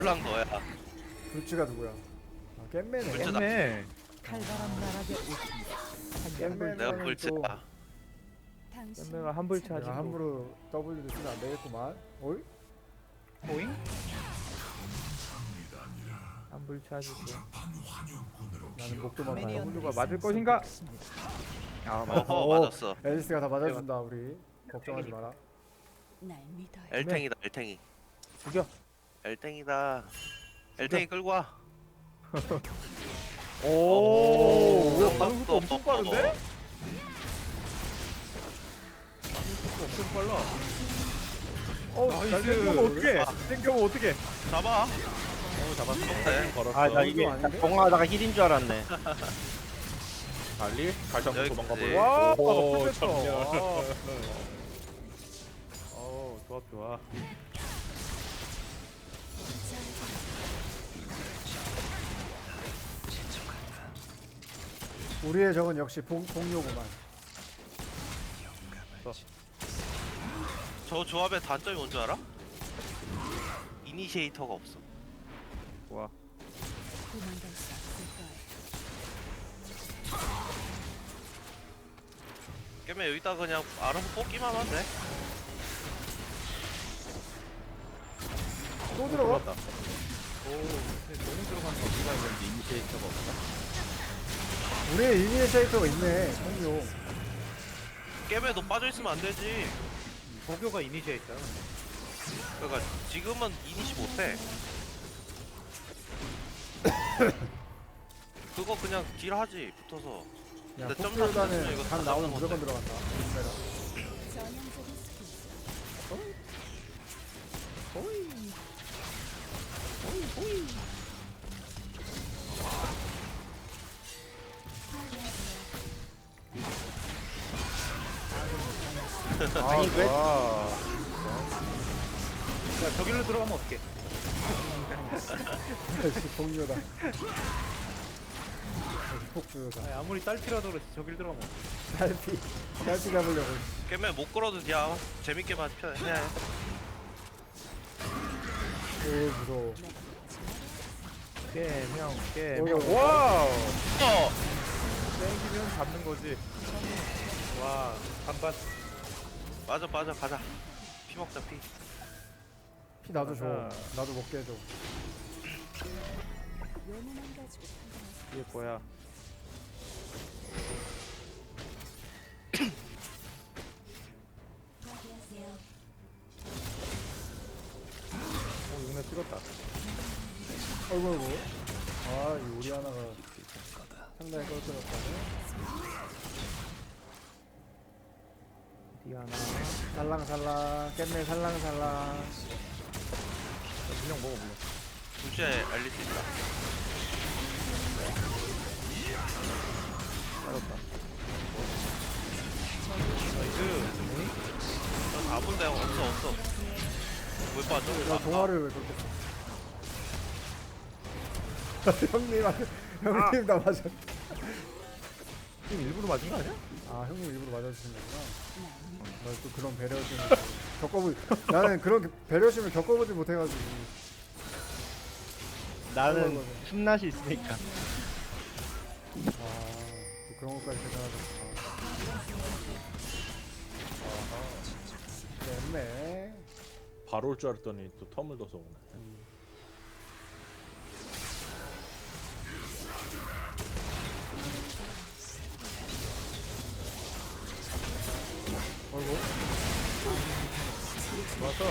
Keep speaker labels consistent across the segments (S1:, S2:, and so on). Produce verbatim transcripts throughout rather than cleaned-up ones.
S1: 랑 너야.
S2: 불치가 누구야? 아, 깻매네.
S1: 불치.
S3: 깼네.
S4: 칼바람 나락에 오십니다.
S2: 깻매는
S1: 내가
S2: 또
S1: 불치야.
S3: 깻매가 한불 차지.
S2: 내가 함부로 W도 쓰면 안 되겠구만. 어이?
S3: 보잉? 한불 차지고.
S2: 나는 목도만 가요.
S3: 호두가 맞을 것인가? 아 맞아.
S1: 어허
S2: 오.
S1: 맞았어.
S2: 앨리스가 다 맞아준다 우리. 걱정하지 마라.
S4: 날 믿어요.
S1: 엘탱이다 엘탱이.
S3: 죽여.
S1: 엘탱이다. 엘탱이 끌고 와.
S3: 오. 뭐야 반응 속도
S1: 어,
S3: 엄청
S1: 어,
S3: 빠른데?
S1: 어.
S3: 반응 속도 엄청 빨라. 어, 날
S1: 나이스.
S3: 땡겨면 어떡해? 땡겨면 어떡해?
S1: 잡아.
S3: 어, 잡았어.
S1: 네.
S3: 걸었어.
S5: 아 나 이게
S2: 아닌데?
S5: 동화하다가 힐인 줄 알았네.
S3: 달리? 갈장
S1: 여기
S3: 도망가
S1: 있지.
S3: 버려. 와,
S5: 오,
S3: 오,
S5: 전멸.
S3: 어, 조합 좋아.
S2: 우리의 적은 역시 복, 복요구만.
S1: 저 조합의 단점이 뭔 줄 알아? 이니시에이터가 없어.
S3: 좋아.
S4: 도망갈 수 없을까요?
S1: 깨면 여기다 그냥 알아서 뽑기만 하면 돼.
S2: 또 들어가?
S3: 들어갔다. 오, 근데 너무 들어간 거 어디가 있는지 이니시에이터가 없다.
S2: 우리의 이니시에이터가 있네. 복요.
S1: 깨면 너 빠져있으면 안 되지.
S3: 도교가 이니시에이터야.
S1: 그러니까 지금은 이니시 못해. 그거 그냥 딜 하지 붙어서.
S2: 야,
S1: 근데 점사
S2: 복요단은
S1: 쓰면 이거
S2: 간
S1: 다
S2: 나오면
S1: 잡는
S2: 무조건
S1: 건데.
S2: 들어간다. 조심해라.
S4: 전형적인 스킬.
S3: 아니
S5: 왜-
S3: 야, 저길로 들어가면 어떡해?
S2: 역시 복요다. 역시 복요다.
S3: 아니, 아무리 딸피라도 그렇지 저길 들어가면 어떡해?
S2: 딸피. 딸피 잡으려고.
S1: 깨면 못 끌어도 그냥 재밌게만 펴- 해야 해.
S2: 오 무서워.
S3: 깨, 형, 깨,
S2: 오,
S3: 형.
S2: 오.
S3: 와우!
S1: 어!
S3: 땡기면 잡는 거지. 와, 반반.
S1: 맞아 맞아 가자. 피 먹자 피.
S2: 피 나도 줘.
S3: 아하.
S2: 나도 먹게 해줘.
S4: 요문만 가지고 판단하세요.
S3: 이게 뭐야?
S4: 확인하세요.
S3: 오, 이번에 찍었다.
S2: 어이구 어이구. 아, 이 우리 하나가 상당히 껄끄럽다네.
S3: 디아나.
S2: 살랑살랑. 깻매 살랑살랑.
S3: 분명 먹어, 물론.
S1: 둘째 앨리스 있다.
S3: 알았다.
S1: 나이스. 나 아픈데 없어 없어. 왜 빠져?
S2: 나
S1: 아,
S2: 동화를 왜 그렇게 써? 형님, 아, 형님 나 맞아.
S3: 지금 일부러 맞은 거 아니야?
S2: 아, 형님 일부러 맞아주신 거구나.
S4: 날 믿어요.
S2: 나 또 그런 배려심을 겪어보. 나는 그런 배려심을 겪어보지 못해가지고.
S5: 나는 숨낫이 있으니까.
S2: 아, 또 그런 것까지 생각하셨구나. 깻매.
S6: 바로 올 줄 알았더니 또 텀을 둬서 오네.
S2: 어이구.
S3: 좋았어.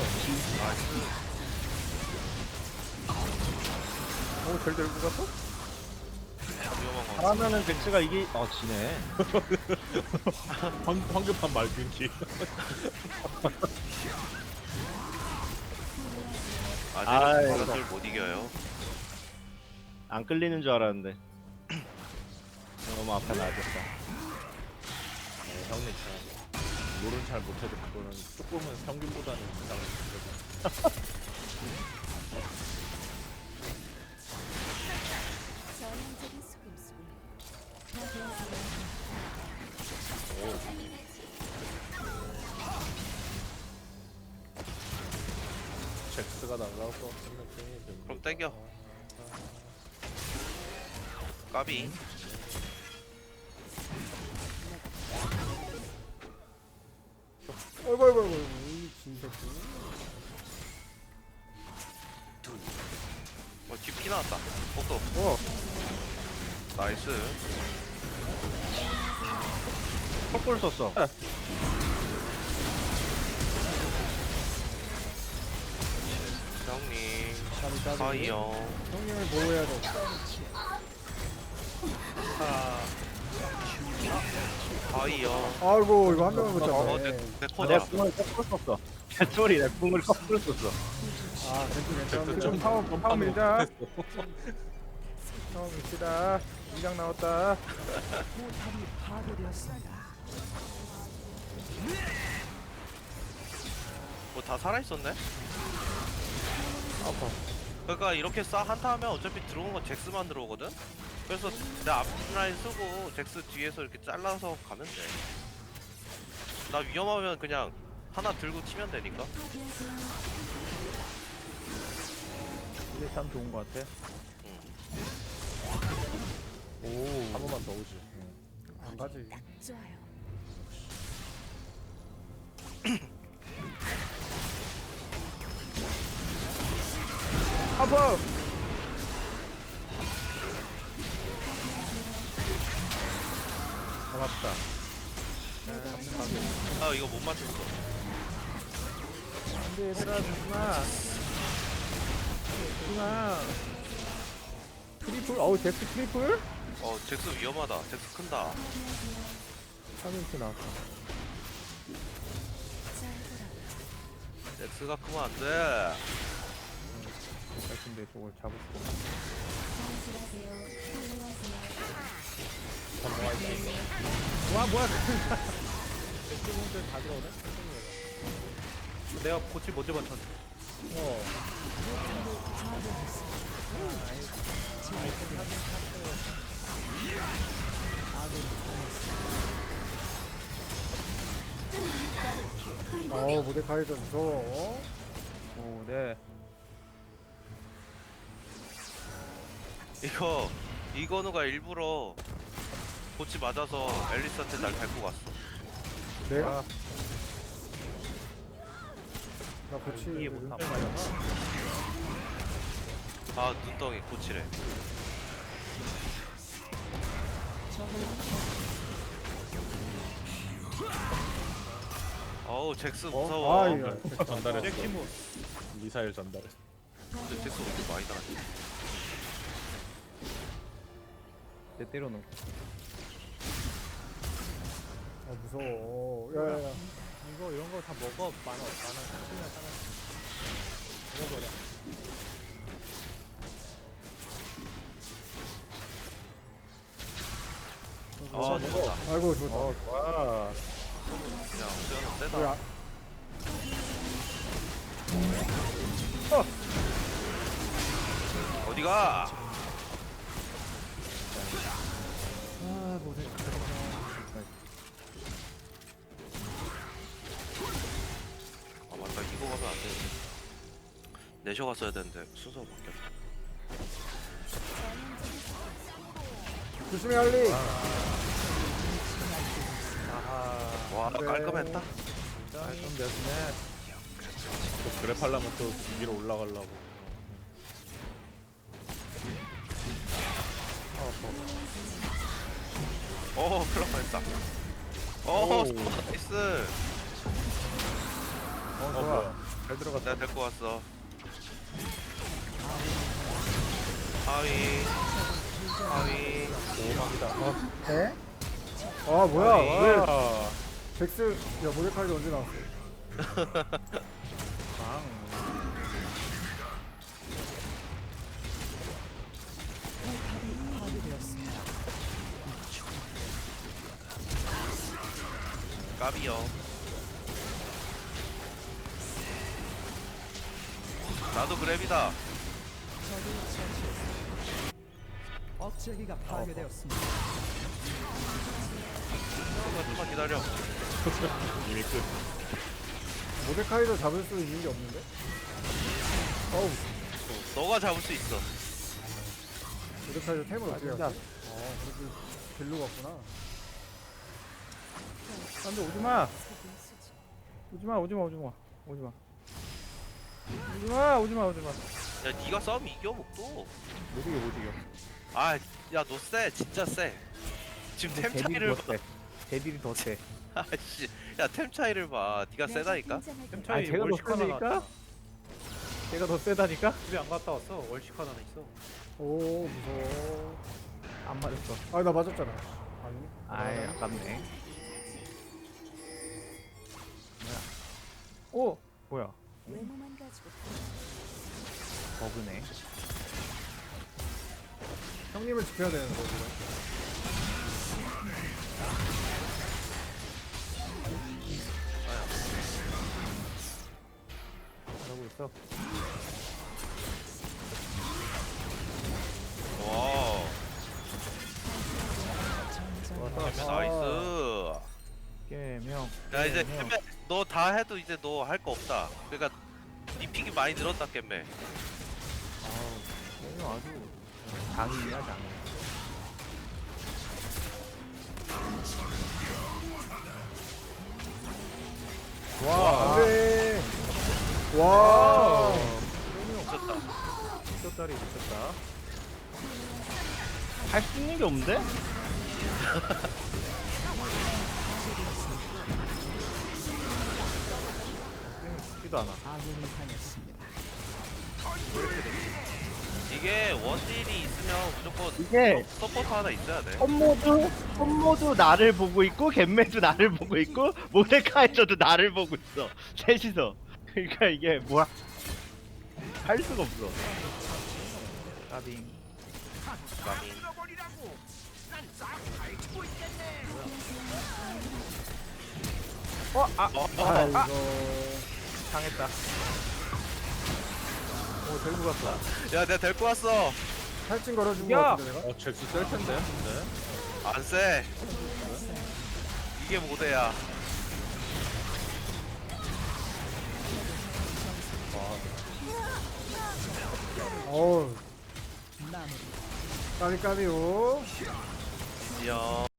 S3: 오, 잘 들고 갔어?
S1: 위험한 거.
S5: 잘하면은 백스가 이게 어 지네.
S6: 황, 황급한 말균기.
S1: 아직은
S5: 아이,
S1: 저것들 못 이겨요.
S5: 안 끌리는 줄 알았는데. 너무 앞에 놔뒀다.
S6: 네, 형님 참 롤은 잘 못해도 그거는 조금은 평균보다는 이상을
S4: 전형적인 속임수군요. 확인하세요.
S6: 잭스가 나가서 생각해.
S1: 좀 땡겨. 까비.
S2: 어이구 어이구 어이구 이 진새끼.
S1: 어, 뒷피 나왔다. 복도.
S2: 어
S1: 나이스.
S5: 컵볼 썼어.
S1: 형님.
S2: 까비 까비.
S1: 하이요.
S2: 형님을 보호해야 돼.
S1: 하이요.
S2: 아이고 이거 한 명을 못
S1: 어, 내,
S2: 잡네.
S1: 내
S5: 내
S1: 코다.
S5: 궁을 거꾸로 썼어. 개소리 내 궁을 거꾸로 썼어.
S2: 아 괜찮 괜찮.
S3: 좀 파워 파워 밀자. 파워 밀시다. 이장 나왔다.
S1: 뭐 다 살아있었네? 아파. 그러니까 이렇게 싸 한타 하면 어차피 들어온 건 잭스만 들어오거든? 그래서 내 앞라인 쓰고 잭스 뒤에서 이렇게 잘라서 가면 돼. 나 위험하면 그냥 하나 들고 치면 되니까.
S3: 이게 참 좋은 것 같아.
S1: 응.
S6: 오. 한 번만 더 오지.
S2: 안 가지.
S4: 딱 좋아요.
S3: 아파. 잡았다.
S1: 아 이거 못 맞췄어.
S3: 안돼 얘들아 죽지마. 죽지마. 트리플? 어우 잭스 트리플?
S1: 어 잭스 위험하다. 잭스 큰다.
S3: 삼 인치 나왔어.
S4: 잘 돌아와.
S1: 잭스가 크면 안 돼.
S3: 근데 저걸 잡을 수가
S4: 진실하세요. 훌륭하세요.
S3: 없어. 와 뭐야 잭스분들 다 들어오네? 내가 고치 못 잡았던 어
S2: 어우 모데카이저 무서워.
S3: 오, 네.
S1: 이거 이건우가 일부러 고치 맞아서 앨리스한테 날 밟고 갔어.
S2: 내가
S3: 아,
S2: 나 고치
S3: 이해 못함.
S1: 아 눈덩이 고치래. 어우 잭스 무서워.
S2: 아 이거
S6: 전달했어. 미사일 전달.
S1: 근데 잭스 왜 이렇게 많이 나갔지?
S3: 내 때려놓고.
S2: 아 무서워. 야야야.
S3: 이거 이런 거 다 먹어. 만원, 만원, 삼십이나 사나. 먹어버려.
S1: 아 죽었다.
S2: 아이고 좋다.
S3: 어, 좋아.
S1: 그냥 수연은 세다.
S2: 왜 아-
S1: 어디가?
S3: 아, 모델.
S1: 아 맞다 이거 가면 안 되는데. 내셔 갔어야 되는데 순서 바뀌었다.
S2: 조심히 할리.
S3: 아하.
S1: 와
S2: 네.
S1: 깔끔했다.
S3: 좀 됐네.
S6: 또 그래팔라면 또 위로 올라가려고.
S1: 어 클럽 했다. 어
S6: 오.
S1: 나이스.
S3: 어,
S6: 어
S3: 좋아.
S6: 뭐야?
S3: 잘 들어갔다.
S1: 내가 데리고 왔어. 하위 하위.
S6: 오망이다. 어,
S2: 에? 아 뭐야? 왜
S6: 와.
S2: 잭스 야 모데카이저 언제 나왔어?
S3: 방.
S1: 까비요. 나도 그랩이다.
S7: 억제기가 파괴되었습니다.
S1: 조금만 좀만 기다려.
S6: 이미 끝.
S2: 모데카이저 잡을 수 있는 게 없는데? 어우
S1: 너가 잡을 수 있어.
S2: 이렇게 템을
S3: 아
S2: 어떻게
S3: 진짜.
S2: 갔어? 어 그렇게 벨루가 없구나.
S3: 안돼 오지마. 오지마 오지마 오지마 오지마. 오지마 오지마 오지마.
S1: 야 니가 싸움 이겨 목도.
S3: 못 이겨 못 이겨.
S1: 아야너 쎄 진짜 쎄. 지금 템 차이를 봐.
S3: 대딜이 더 세.
S1: 아씨 야템 차이를 봐. 니가 세다니까.
S4: 템
S3: 아
S6: 차이
S3: 제가 더
S6: 월식 하나
S3: 세다니까?
S6: 나왔다.
S3: 제가 더 세다니까?
S6: 집에 안 갔다 왔어. 월식 하나 있어.
S2: 오 무서워.
S3: 안 맞았어.
S2: 아 나 맞았잖아. 아니.
S3: 아이 아깝네. 뭐야? 오 뭐야?
S4: 외모만 가지고
S3: 버그네.
S2: 형님을 지켜야 되는 거 지금.
S3: 잘하고 있어.
S1: 와.
S3: 좋았어.
S1: 나이스.
S3: 깨명.
S1: 야 이제
S3: 깨명.
S1: 겜매 너 다 해도 이제 너 할 거 없다. 그러니까 니 픽이 많이 늘었다 겜매.
S3: 아우 깨명 아주 장이야 장.
S2: 와 안돼. 와.
S1: 미쳤다.
S3: 미쳤다리 미쳤다.
S5: 할 수 있는 게 없는데?
S3: 죽지도 않아.
S1: 이게 원딜이 있으면 무조건
S5: 이게
S1: 서- 서포터 하나 있어야 돼.
S5: 홈모드 홈모드 나를 보고 있고 겜매도 나를 보고 있고 모데카에서도 나를 보고 있어. 셋이서. 그러니까 이게 뭐야? 할 수가 없어.
S3: 까빙.
S1: 감히.
S3: 어? 아!
S1: 어, 어,
S2: 아 이거.
S3: 당했다. 오 들고 갔다.
S1: 야 내가 데리고 왔어.
S2: 탈진 걸어준 거
S3: 야!
S2: 같은데 내가.
S6: 어 잭스 셀 텐데. 근데.
S1: 안 쎄. 이게 모대야.
S2: 어우. 까비 까비요.
S1: 야.